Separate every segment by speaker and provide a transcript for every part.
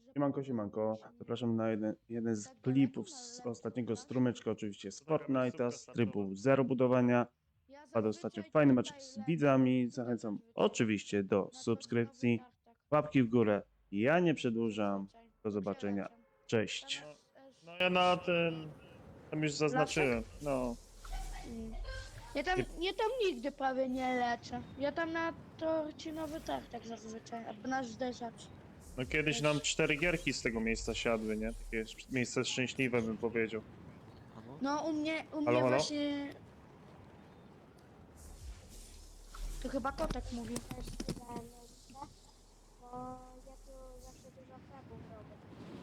Speaker 1: Siemanko, siemanko. Zapraszam na jeden z klipów z ostatniego strumyczka, oczywiście z Fortnite'a, z trybu zero budowania. Padł ostatnio fajny meczek z widzami. Zachęcam oczywiście do subskrypcji, łapki w górę. Ja nie przedłużam. Do zobaczenia. Cześć.
Speaker 2: No ja na ten... Tam już zaznaczyłem, no.
Speaker 3: Ja tam nigdy prawie nie leczę. Ja tam na torcinowy tartak zazwyczaj, albo na zderzacz.
Speaker 2: No kiedyś nam 4 gierki z tego miejsca siadły, nie? Takie miejsce szczęśliwe bym powiedział.
Speaker 3: No u mnie
Speaker 2: Halo, halo?
Speaker 3: właśnie... To chyba kotek mówił.
Speaker 4: Też dodałem miejsce, bo ja tu zawsze dużo fragów robię.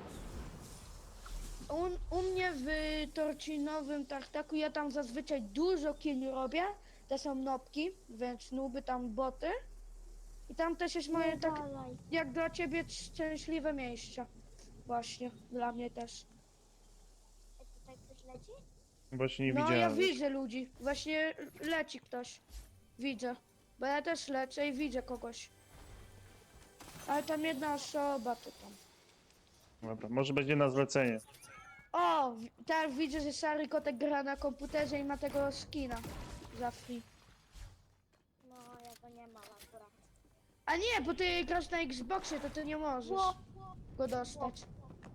Speaker 3: U mnie w torcinowym tartaku ja tam zazwyczaj dużo killi robię. To są nopki, więc nuby tam boty. I tam też jest moje tak
Speaker 4: Dalej.
Speaker 3: jak dla ciebie szczęśliwe miejsce. Właśnie, dla mnie też.
Speaker 4: Tutaj ktoś leci?
Speaker 2: Właśnie nie
Speaker 3: No ja
Speaker 2: widziałem.
Speaker 3: widzę ludzi. Właśnie leci ktoś. Widzę. Bo ja też lecę i widzę kogoś. Ale tam jedna osoba to tam.
Speaker 2: Dobra, może będzie na zlecenie.
Speaker 3: O! Tak widzę, że Szary Kotek gra na komputerze i ma tego skina. Za free.
Speaker 4: No, ja go nie mam akurat.
Speaker 3: A nie, bo ty grasz na Xboxie, to ty nie możesz go dostać.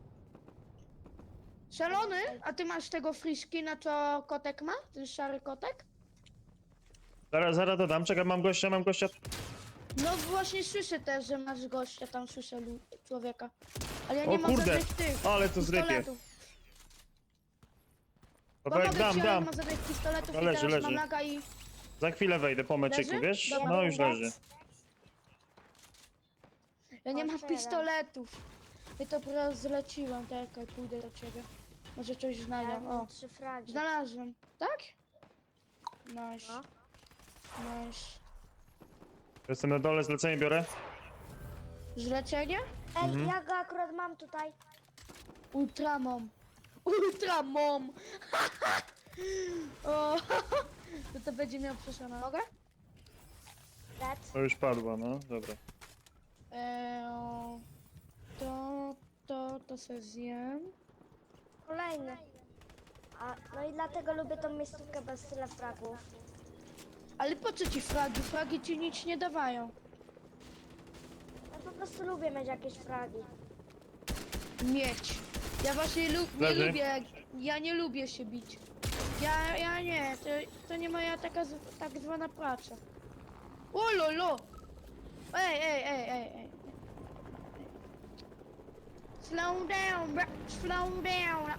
Speaker 3: Szalony? A ty masz tego free skina, co Kotek ma? Ten Szary Kotek?
Speaker 2: Zaraz dodam, czekaj, mam gościa.
Speaker 3: No właśnie słyszę też, że masz gościa, tam słyszę człowieka. Ale ja
Speaker 2: O
Speaker 3: nie mam
Speaker 2: kurde,
Speaker 3: żadnych tych
Speaker 2: ale to zrypie.
Speaker 3: pistoletów.
Speaker 2: Kawałek
Speaker 3: Pomogę ci, ale
Speaker 2: dam.
Speaker 3: nie mam żadnych pistoletów
Speaker 2: No
Speaker 3: i
Speaker 2: leży,
Speaker 3: teraz
Speaker 2: leży.
Speaker 3: mam laga i...
Speaker 2: Za chwilę wejdę po meczyku,
Speaker 3: Leży?
Speaker 2: wiesz?
Speaker 3: Dobra.
Speaker 2: No już leży.
Speaker 3: Ja nie mam
Speaker 4: Otwieram.
Speaker 3: pistoletów. Ja to po raz zleciłem, czekaj, pójdę do ciebie. Może coś
Speaker 4: Ja
Speaker 3: znajdę.
Speaker 4: mam
Speaker 3: O,
Speaker 4: 3 fragi.
Speaker 3: znalazłem. Tak? Nice.
Speaker 4: No.
Speaker 3: Nice.
Speaker 2: Jestem na dole, zlecenie biorę.
Speaker 3: Zlecenie?
Speaker 4: Ej, ja go akurat mam tutaj.
Speaker 3: Ultramom. Ultramom! O, to będzie miał przeszłą nogę?
Speaker 4: Red.
Speaker 2: To już padło, no, dobra.
Speaker 3: Eee, to se zjem.
Speaker 4: Kolejny. No i dlatego lubię tą miejscówkę bez tyle fragów.
Speaker 3: Ale po co ci fragi? Fragi ci nic nie dawają.
Speaker 4: Ja po prostu lubię mieć jakieś fragi.
Speaker 3: Mieć. Ja właśnie nie
Speaker 2: Leży.
Speaker 3: lubię, ja nie lubię się bić. Ja nie, to nie moja tak zwana praca. O lolo! Ej. Slow down, bro. Slow down.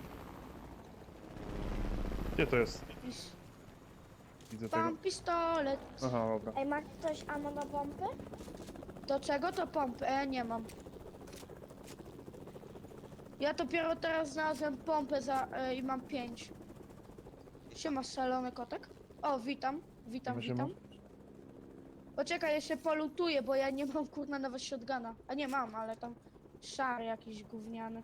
Speaker 2: Gdzie to jest? Widzę tego.
Speaker 3: Mam pistolet.
Speaker 2: Aha, dobra.
Speaker 4: Ej, ma ktoś ammo na pompy?
Speaker 3: Do czego to pompy? Nie mam. Ja dopiero teraz znalazłem pompę i mam 5. Siema, szalony kotek. O, witam.
Speaker 2: Siema.
Speaker 3: Poczekaj, jeszcze polutuję, bo ja nie mam kurna nawet shotguna. A nie mam, ale tam szary jakiś gówniany.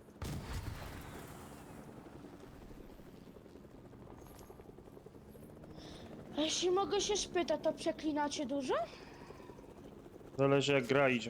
Speaker 3: A jeśli mogę się spytać, to przeklinacie dużo?
Speaker 2: Zależy jak gra idzie.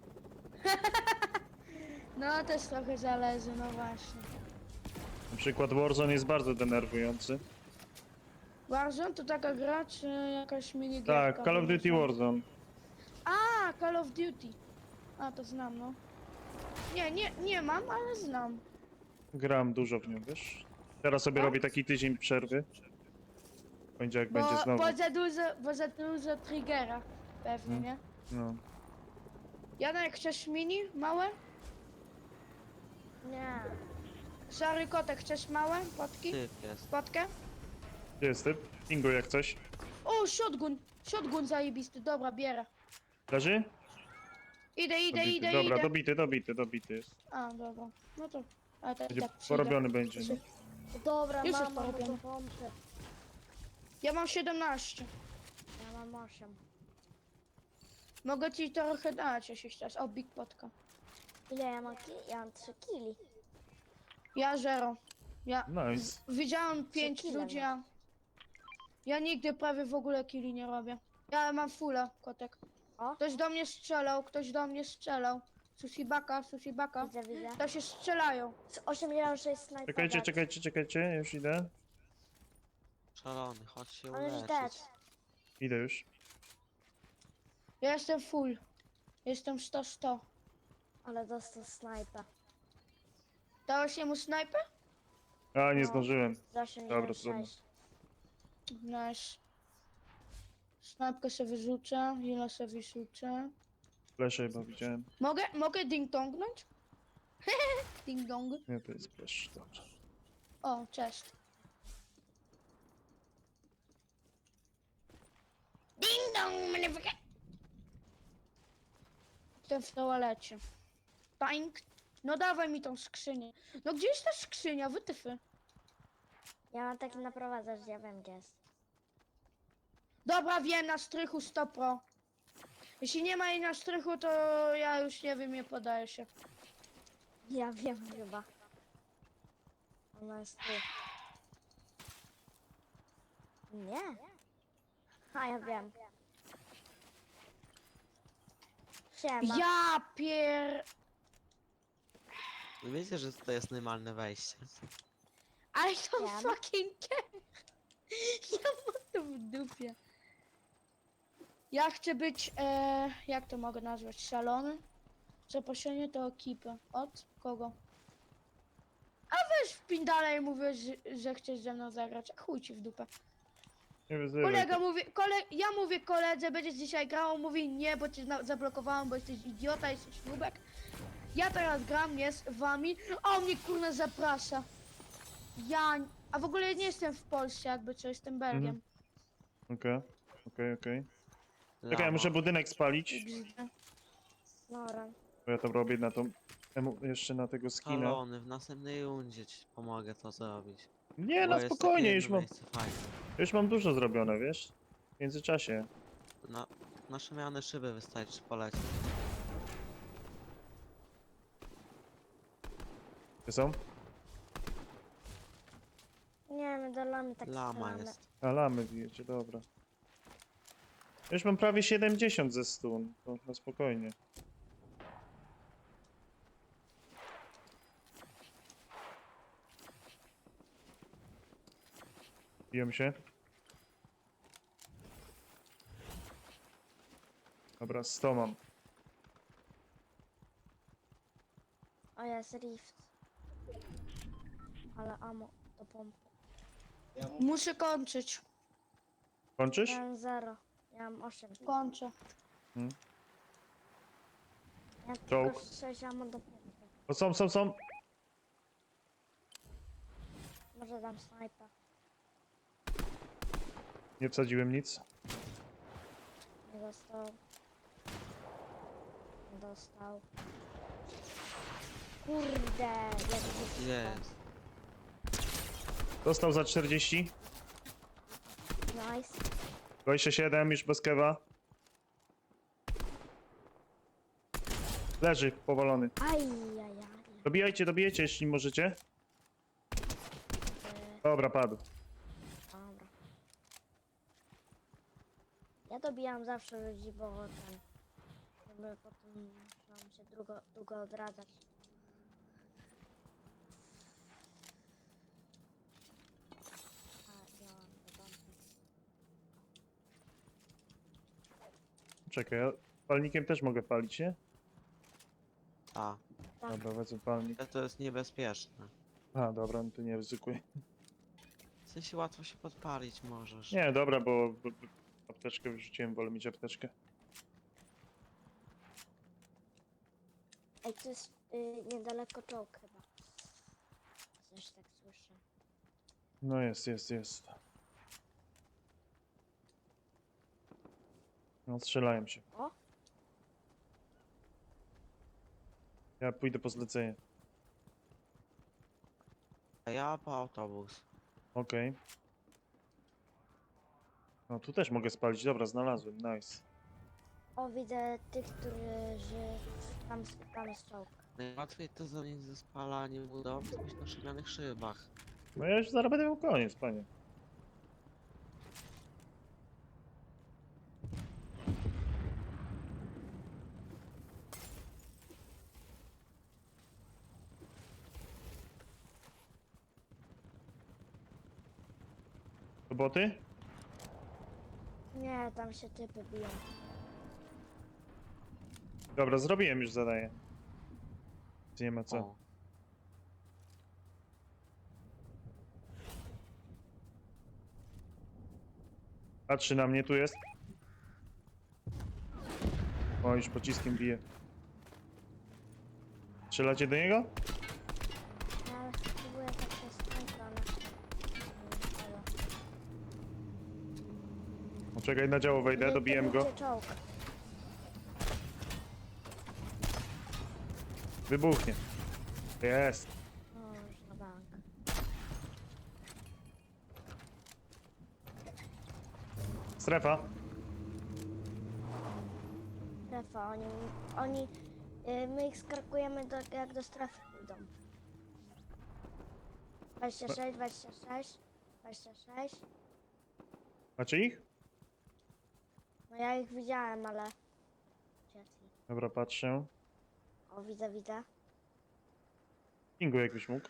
Speaker 3: No też trochę zależy, no właśnie.
Speaker 2: Na przykład Warzone jest bardzo denerwujący.
Speaker 3: Warzone to taka gra, czy jakaś minigierka?
Speaker 2: Tak, Call of Duty Warzone.
Speaker 3: A, Call of Duty. A, to znam, no. Nie mam, ale znam.
Speaker 2: Gram dużo w nią, wiesz? Teraz sobie
Speaker 3: Tak?
Speaker 2: robię taki tydzień przerwy. Będzie jak będzie znowu.
Speaker 3: Bo za dużo triggera. Pewnie, nie?
Speaker 2: No.
Speaker 3: Janek, chcesz mini? Małe?
Speaker 4: Nie.
Speaker 3: Szary kotek, chcesz małe? Potki?
Speaker 5: Typ jest.
Speaker 3: Potkę?
Speaker 2: Gdzie jest typ? Pingu jak coś.
Speaker 3: O, shotgun! Shotgun zajebisty, dobra, bierę.
Speaker 2: Leży?
Speaker 3: Idę.
Speaker 2: Dobra, dobity jest.
Speaker 3: A, dobra. No to... A tak,
Speaker 2: Będzie
Speaker 3: tak przyjdę.
Speaker 2: porobiony będzie. No.
Speaker 4: Dobra,
Speaker 3: Już jest
Speaker 4: mam ammo
Speaker 3: porobione.
Speaker 4: do pompy.
Speaker 3: Ja mam 17.
Speaker 4: Ja mam 8.
Speaker 3: Mogę ci trochę dać, jeśli chcesz. O, big potka.
Speaker 4: Ile ja mam Ja mam 3 kili.
Speaker 3: Ja 0.
Speaker 2: Nice.
Speaker 3: Widziałem 5
Speaker 4: kile
Speaker 3: ludzi, a... Ja nigdy prawie w ogóle killi nie robię. Ja mam fulla, kotek.
Speaker 4: O.
Speaker 3: Ktoś do mnie strzelał. Sushi baka.
Speaker 4: Widzę, widzę.
Speaker 3: To się strzelają.
Speaker 4: Z 86 snajper.
Speaker 2: Czekajcie,
Speaker 4: dead.
Speaker 2: czekajcie, już idę.
Speaker 5: Szalony, chodź się
Speaker 4: On już
Speaker 5: uleczyć.
Speaker 4: dead.
Speaker 2: Idę już.
Speaker 3: Ja jestem full. Jestem 100.
Speaker 4: Ale dostał snajper.
Speaker 3: Dałeś jemu snajpę?
Speaker 2: A, nie
Speaker 4: No.
Speaker 2: zdążyłem.
Speaker 4: Z
Speaker 2: Dobra,
Speaker 4: 86.
Speaker 3: Nice. Snajpkę sobie wyrzucę, ile sobie wyrzucę.
Speaker 2: Flesze chyba widziałem.
Speaker 3: Mogę ding-dongnąć? Ding-dong.
Speaker 2: Nie, to jest flash, dobrze.
Speaker 3: O, cześć. Ding-dong, motherfucker. Jestem w toalecie. Paink. No dawaj mi tą skrzynię. No gdzie jest ta skrzynia? Wytyfy.
Speaker 4: Ja mam taki naprowadzacz, ja wiem gdzie jest.
Speaker 3: Dobra, wiem, na strychu 100 pro. Jeśli nie ma jej na strychu, to ja już nie wiem, nie podaję się.
Speaker 4: Ja wiem chyba. Ona jest tu. Nie. A ja wiem. Siema.
Speaker 3: Ja pier...
Speaker 5: No wiecie, że to jest normalne wejście.
Speaker 3: I don't
Speaker 4: Wiem.
Speaker 3: fucking care. Ja mam to w dupie. Ja chcę być, jak to mogę nazwać, szalony? Zaproszenie do ekipy. Od kogo? A weź w pindale i mówisz, że chcesz ze mną zagrać. A chuj ci w dupę.
Speaker 2: Nie wyzywaj.
Speaker 3: Kolega mówi, ja mówię koledze, będziesz dzisiaj grał, on mówi nie, bo cię zablokowałem, bo jesteś idiota, jesteś nubek. Ja teraz gram, jest z wami, a on mnie kurna zaprasza. A w ogóle nie jestem w Polsce, jakby co, jestem Belgiem.
Speaker 2: Okej. Czekaj, ja
Speaker 5: Lama.
Speaker 2: muszę budynek spalić.
Speaker 3: XD.
Speaker 4: Dobra.
Speaker 2: Bo ja to robię na tą... jeszcze na tego skina.
Speaker 5: Szalony, w następnej rundzie ci pomogę to zrobić.
Speaker 2: Nie,
Speaker 5: Bo
Speaker 2: na
Speaker 5: jest
Speaker 2: spokojnie,
Speaker 5: takie
Speaker 2: już
Speaker 5: jedno
Speaker 2: mam,
Speaker 5: miejsce fajne.
Speaker 2: już mam dużo zrobione, wiesz? W międzyczasie.
Speaker 5: Na szemiane szyby wystarczy polecieć.
Speaker 2: Gdzie są?
Speaker 4: Nie, my dolamy tak
Speaker 5: Lama
Speaker 4: strzelamy.
Speaker 5: jest.
Speaker 2: A lamy bijecie, dobra. Już mam prawie 70 ze 100, to na spokojnie. Biją się. Dobra, 100 mam.
Speaker 4: O, jest rift. Ale ammo do pompy.
Speaker 3: Muszę kończyć.
Speaker 2: Kończysz?
Speaker 4: Ja mam 0. Ja mam 8.
Speaker 3: Kończę.
Speaker 4: Ja
Speaker 2: Czołg.
Speaker 4: tylko 6 ammo do pompy.
Speaker 2: O, są.
Speaker 4: Może dam snajpa.
Speaker 2: Nie wsadziłem nic.
Speaker 4: Nie dostał. Nie dostał. Kurde, jak blisko.
Speaker 5: Jest.
Speaker 2: Dostał za 40.
Speaker 4: Nice.
Speaker 2: 27, już bez kewa. Leży, powalony.
Speaker 4: Ajajaj.
Speaker 2: Dobijajcie, jeśli możecie. Dobra, padł.
Speaker 4: Dobra. Ja dobijam zawsze ludzi, bo ten... Żeby potem nam się długo odradzać. A, ja mam do pompy.
Speaker 2: Czekaj, ja palnikiem też mogę palić, nie?
Speaker 5: A,
Speaker 4: Tak.
Speaker 2: Dobra, wezmę palnik.
Speaker 5: ale to jest niebezpieczne.
Speaker 2: A, dobra, no to nie ryzykuję.
Speaker 5: W sensie łatwo się podpalić możesz.
Speaker 2: Nie, dobra, bo apteczkę wyrzuciłem, wolę mieć apteczkę.
Speaker 4: Ej, to jest niedaleko czołg chyba. Coś tak słyszę.
Speaker 2: No jest. No, strzelają się.
Speaker 4: O!
Speaker 2: Ja pójdę po zlecenie.
Speaker 5: A ja po autobus.
Speaker 2: Okej. No, tu też mogę spalić. Dobra, znalazłem, nice.
Speaker 4: O, widzę tych, którzy... Tam jest czołg.
Speaker 5: Najłatwiej to zanieść ze spalaniem budowli coś na szemianych szybach.
Speaker 2: No ja już zaraz będę miał koniec, panie. Roboty?
Speaker 4: Nie, tam się typy biją.
Speaker 2: Dobra, zrobiłem już zadanie. Nie ma co.
Speaker 5: O,
Speaker 2: Patrzy na mnie, tu jest. O, już pociskiem bije. Strzelacie do niego?
Speaker 4: Ja spróbuję tak przez tą stronę. Halo.
Speaker 2: Poczekaj, na działo wejdę,
Speaker 4: Nie
Speaker 2: dobiłem go.
Speaker 4: kierujcie czołg.
Speaker 2: Wybuchnie. Jest.
Speaker 4: O, już na bank.
Speaker 2: Strefa.
Speaker 4: Strefa, my ich skakujemy jak do strefy pójdą. 26, 26, 26.
Speaker 2: Macie ich?
Speaker 4: No ja ich widziałem, ale... Uciekli.
Speaker 2: Dobra, patrzę.
Speaker 4: O, widzę, widzę.
Speaker 2: Pingu jakbyś mógł.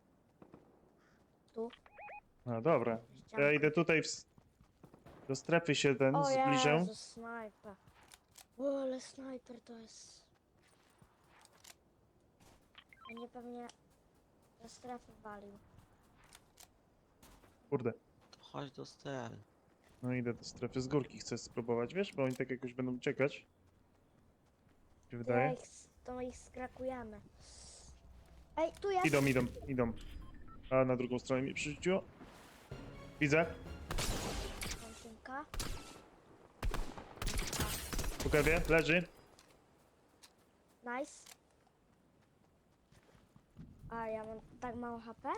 Speaker 4: Tu.
Speaker 2: No dobra. Ja
Speaker 4: Ścianka.
Speaker 2: idę tutaj do strefy się
Speaker 4: O
Speaker 2: zbliżę.
Speaker 4: Jezu, snajper. O, ale snajper to jest... Będzie pewnie do strefy walił.
Speaker 2: Kurde.
Speaker 5: to chodź do stery.
Speaker 2: No idę do strefy z górki, chcę spróbować, wiesz? Bo oni tak jakoś będą uciekać. Mi się
Speaker 4: To,
Speaker 2: wydaje.
Speaker 4: to ich skrakujemy. Ej, tu jest!
Speaker 2: Idą. A na drugą stronę mi przerzuciło. Widzę.
Speaker 4: Końcynka.
Speaker 2: Po kewie, leży.
Speaker 4: Nice. A, ja mam tak mało HP?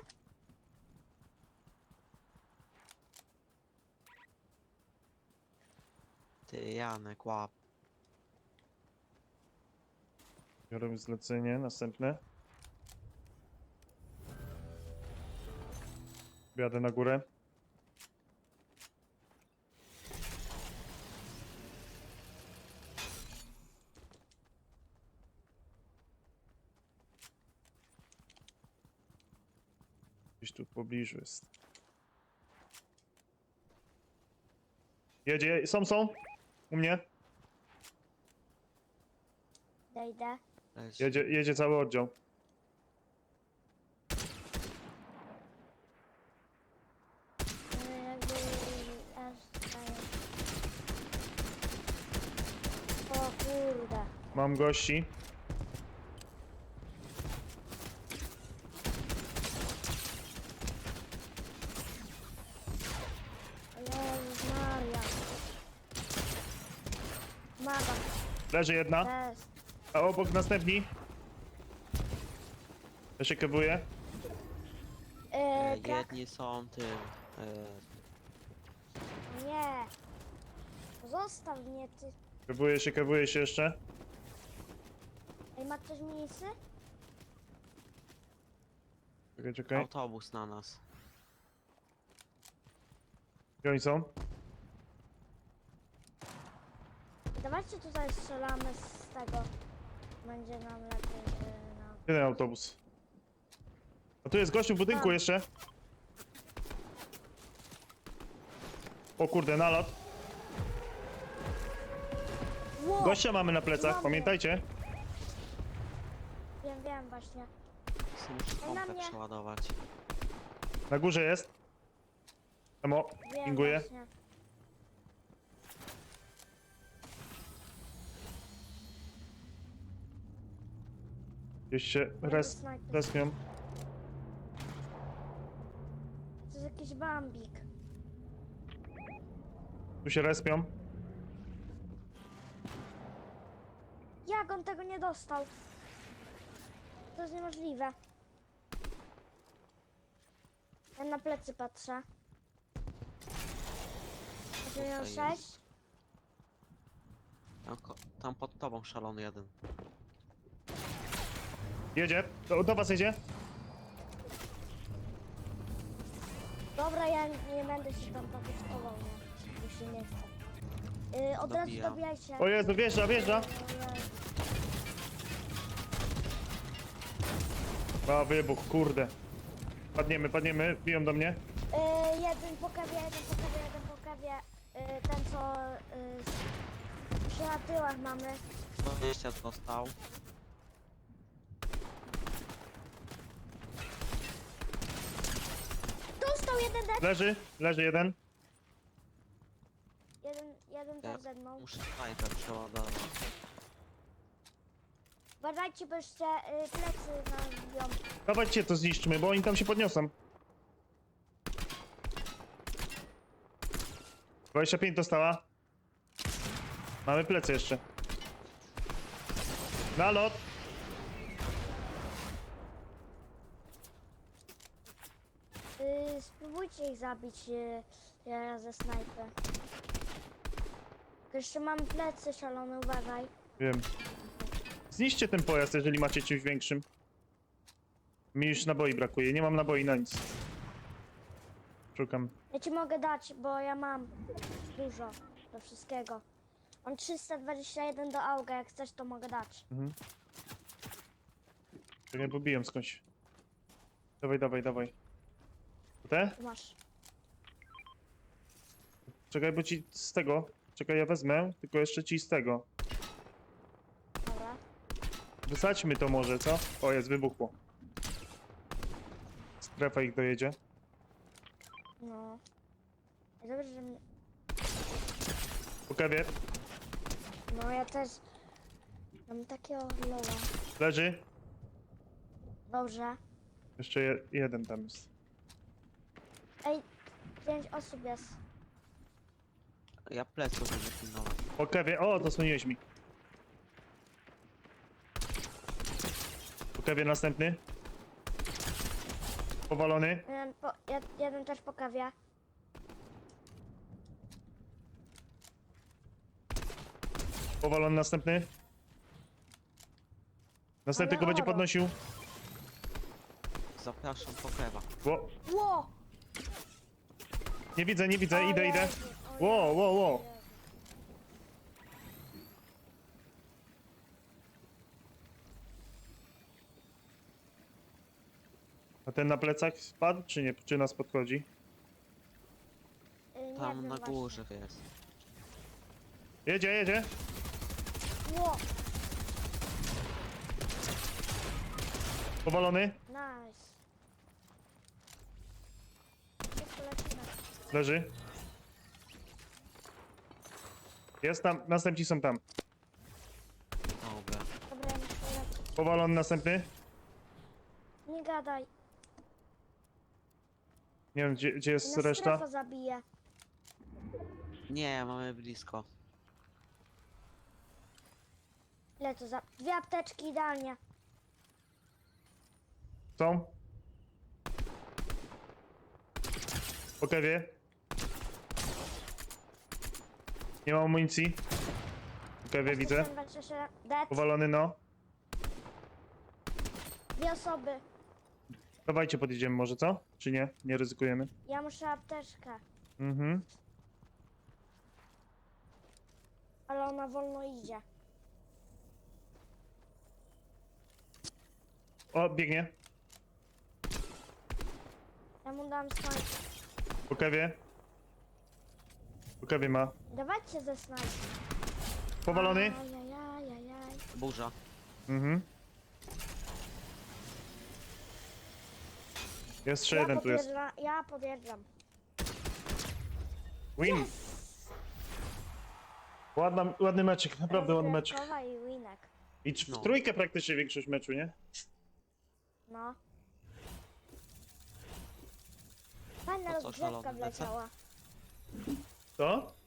Speaker 5: Ty, Janek, łap.
Speaker 2: Biorę zlecenie, następne. Jadę na górę. Gdzieś tu w pobliżu jest. Jedzie, są. U mnie.
Speaker 4: Idę.
Speaker 5: Leć.
Speaker 2: Jedzie cały oddział.
Speaker 4: Jakby... aż daję. O kurde.
Speaker 2: Mam gości.
Speaker 4: O Jezus Maria. Maga.
Speaker 2: Leży jedna.
Speaker 4: Jest.
Speaker 2: A obok następni. Ja się kebuję.
Speaker 4: Krak.
Speaker 5: Jedni są tym.
Speaker 4: Nie. Zostaw mnie, ty.
Speaker 2: Kebuję się jeszcze.
Speaker 4: Ej, ma ktoś minisy?
Speaker 2: Czekaj.
Speaker 5: Autobus na nas.
Speaker 2: Gdzie oni są?
Speaker 4: Dawajcie tutaj strzelamy z tego. Będzie nam lepiej na...
Speaker 2: Gdzie ten autobus? A tu jest gościu w budynku
Speaker 4: Tam.
Speaker 2: jeszcze. O kurde, nalot.
Speaker 4: Wow!
Speaker 2: Gościa mamy na plecach,
Speaker 4: Mamy.
Speaker 2: pamiętajcie.
Speaker 4: Wiem właśnie.
Speaker 5: Co muszę
Speaker 4: Ej, na
Speaker 5: pompę
Speaker 4: mnie.
Speaker 5: przeładować.
Speaker 2: Na górze jest. Emo,
Speaker 4: Wiem
Speaker 2: pinguję.
Speaker 4: właśnie.
Speaker 2: Gdzieś się
Speaker 4: Snajper.
Speaker 2: respią.
Speaker 4: To jest jakiś bambik.
Speaker 2: Tu się respią.
Speaker 4: Jak on tego nie dostał? To jest niemożliwe. Ja na plecy patrzę.
Speaker 5: Tutaj
Speaker 4: miał
Speaker 5: jest.
Speaker 4: 6.
Speaker 5: Tam pod tobą szalony jeden.
Speaker 2: Jedzie, do was jedzie.
Speaker 4: Dobra, ja nie będę się tam pakuskował, nie. Już się nie chcę. Od razu
Speaker 5: Dobijam.
Speaker 4: dobijajcie.
Speaker 2: O Jezu, wjeżdża. A, wybuch, kurde. Padniemy, biją do mnie.
Speaker 4: Jeden po kawie, jeden po kawie, jeden po kawie. Ten co przy na tyłach mamy.
Speaker 5: 120 dostał.
Speaker 4: Dostał jeden dead.
Speaker 2: Leży jeden.
Speaker 4: Jeden
Speaker 5: Ja
Speaker 4: też ze mną.
Speaker 5: muszę snajper przeładować.
Speaker 4: Uważajcie, bo jeszcze plecy nam biją.
Speaker 2: Dawajcie to zniszczmy, bo oni tam się podniosą. 25 dostała. Mamy plecy jeszcze. Na lot.
Speaker 4: Spróbujcie ich zabić ze snajpy. Tylko jeszcze mam plecy szalone, uważaj.
Speaker 2: Wiem. Zniszczcie ten pojazd, jeżeli macie czymś większym. Mi już naboi brakuje, nie mam naboi na nic. Szukam.
Speaker 4: Ja ci mogę dać, bo ja mam dużo do wszystkiego. Mam 321 do auga, jak chcesz to mogę dać.
Speaker 2: Mhm. Czekaj, bo biją skądś. Dawaj. Te?
Speaker 4: Tu masz.
Speaker 2: Czekaj, bo ci z tego. Czekaj, ja wezmę, tylko jeszcze ci z tego.
Speaker 4: Dobra.
Speaker 2: Wysadźmy to może, co? O, jest, wybuchło. Strefa ich dojedzie.
Speaker 4: No. Dobrze, że mnie...
Speaker 2: Po kawie.
Speaker 4: No ja też mam takiego lowa.
Speaker 2: Leży.
Speaker 4: Dobrze.
Speaker 2: Jeszcze jeden tam jest.
Speaker 4: Ej, 5 osób jest.
Speaker 5: Ja pleców będę pilnować.
Speaker 2: Po kawie. O, zasłoniłeś mi. Po kawie następny. Powalony.
Speaker 4: Jeden też po kawie.
Speaker 2: Powalony następny. Następny
Speaker 4: Ale
Speaker 2: go będzie
Speaker 4: oro.
Speaker 2: podnosił.
Speaker 5: Zapraszam po kewa.
Speaker 2: Ło.
Speaker 4: Ło!
Speaker 2: Nie widzę,
Speaker 4: O
Speaker 2: idę.
Speaker 4: Jezu, o
Speaker 2: Ło.
Speaker 4: Jezu.
Speaker 2: A ten na plecach spadł, czy nie? Czy nas podchodzi?
Speaker 4: Nie
Speaker 5: Tam
Speaker 4: wiem
Speaker 5: na
Speaker 4: właśnie.
Speaker 5: górze jest.
Speaker 2: Jedzie.
Speaker 4: Ło!
Speaker 2: Powalony.
Speaker 4: Nice. Szybko lecimy.
Speaker 2: Leży. Jest tam, następni są tam.
Speaker 5: Dobra.
Speaker 4: Dobra, ja muszę lecieć.
Speaker 2: Powalony następny.
Speaker 4: Nie gadaj.
Speaker 2: Nie wiem, gdzie jest
Speaker 4: Nas
Speaker 2: reszta.
Speaker 4: strefa zabije.
Speaker 5: Nie, mamy blisko.
Speaker 4: Ile to za... 2 apteczki idealnie.
Speaker 2: Są. Po kewie. Nie mam amunicji. Po kewie widzę.
Speaker 4: 27, dead.
Speaker 2: Powalony, no.
Speaker 4: 2 osoby.
Speaker 2: Dawajcie, podjedziemy może, co? Czy nie? Nie ryzykujemy.
Speaker 4: Ja muszę apteczkę.
Speaker 2: Mhm.
Speaker 4: Ale ona wolno idzie.
Speaker 2: O, biegnie.
Speaker 4: Ja mu dam snajper.
Speaker 2: Po kewie. Po kewie ma.
Speaker 4: Dawajcie ze snajper.
Speaker 2: Powalony.
Speaker 4: Ajajajajaj.
Speaker 5: Burza.
Speaker 2: Mhm. Jeszcze jeden tu jest.
Speaker 4: Ja podjeżdżam.
Speaker 2: Win. Ładny meczyk, naprawdę ładny meczyk.
Speaker 4: Rozgrzewkowa i winek.
Speaker 2: I w
Speaker 5: No.
Speaker 2: trójkę praktycznie większość meczu, nie?
Speaker 4: No. Fajna
Speaker 5: To co,
Speaker 4: rozgrzewka
Speaker 5: szalony lecę?
Speaker 4: wleciała.
Speaker 2: Co?